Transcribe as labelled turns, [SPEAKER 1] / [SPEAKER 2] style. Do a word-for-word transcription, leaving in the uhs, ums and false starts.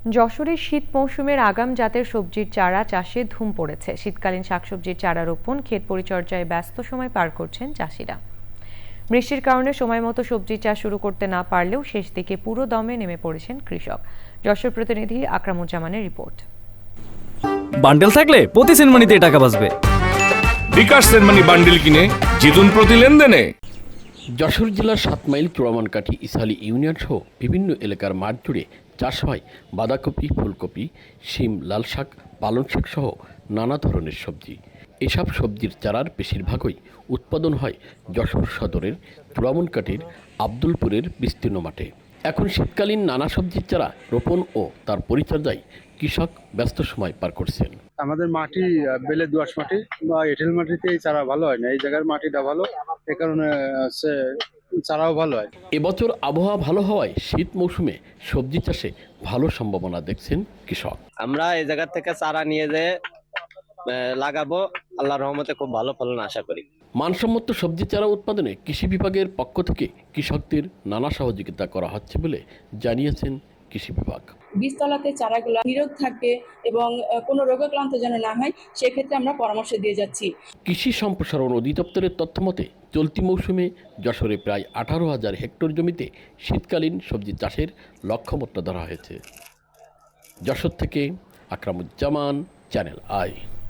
[SPEAKER 1] যশোরে শীত মৌসুমের আগাম জাতের সবজির চারা চাষে ধুম পড়েছে। শীতকালীন শাকসবজির চারা রোপণ, ক্ষেত পরিচর্যায় ব্যস্ত সময় পার করছেন চাষিরা। বৃষ্টির কারণে সময় মতো সবজি চাষ শুরু করতে না পারলেও শেষ দিকে পুরো দমে নেমে পড়েছেন কৃষক। যশোর প্রতিনিধি আকরামুজ্জামানের রিপোর্ট।
[SPEAKER 2] বান্ডেল থাকলে প্রতি সেনমানিতে টাকা বাঁচবে।
[SPEAKER 3] বিকাশ সেনমানি বান্ডেল কিনে জিতুন প্রতি লেনদেনে।
[SPEAKER 4] যশোর জেলার সাত মাইল চোরামানকাঠি ইসালি ইউনিয়ন সহ বিভিন্ন এলাকার মাঠ জুড়ে চাষ হয় বাঁধাকপি, ফুলকপি, শিম, লাল শাক, পালং শাক সহ নানা ধরনের সবজি। এসব সবজির চারার বেশিরভাগই উৎপাদন হয় যশোর সদরের চোরামানকাঠির আব্দুলপুরের বিস্তীর্ণ মাঠে। এখন শীতকালীন নানা সবজির চারা রোপণ ও তার পরিচর্যায় কৃষক ব্যস্ত সময় পার করছেন।
[SPEAKER 5] আমাদের মাটি বেলে দোআঁশ মাটি বা এঁটেল মাটিতে এই চারা ভালো হয় না, এই জায়গার মাটিটা ভালো, এ কারণে চারাও ভালো হয়।
[SPEAKER 4] এবছর আবহাওয়া ভালো হওয়ায় শীত মৌসুমে সবজি চাষে ভালো সম্ভাবনা দেখছেন কৃষক।
[SPEAKER 6] আমরা এই জায়গা থেকে চারা নিয়ে যেয়ে লাগাবো, আল্লাহর রহমতে খুব ভালো ফলন আশা করি।
[SPEAKER 4] মানসম্মত সবজি চারা উৎপাদনে কৃষি বিভাগের পক্ষ থেকে কৃষকদের নানা সহযোগিতা করা হচ্ছে বলে জানিয়েছেন কৃষি বিভাগ।
[SPEAKER 7] বীজতলাতে চারাগুলো নিরোগ থাকবে এবং কোনো রোগাক্রান্ত যেন না হয়, সেক্ষেত্রে আমরা পরামর্শ দিয়ে যাচ্ছি।
[SPEAKER 4] কৃষি সম্প্রসারণ অধিদপ্তরের তথ্য মতে চলতি মৌসুমে যশোরে প্রায় আঠারো হাজার হেক্টর জমিতে শীতকালীন সবজি চাষের লক্ষ্যমাত্রা ধরা হয়েছে। যশোর থেকে আকরামুজ্জামান, চ্যানেল আই।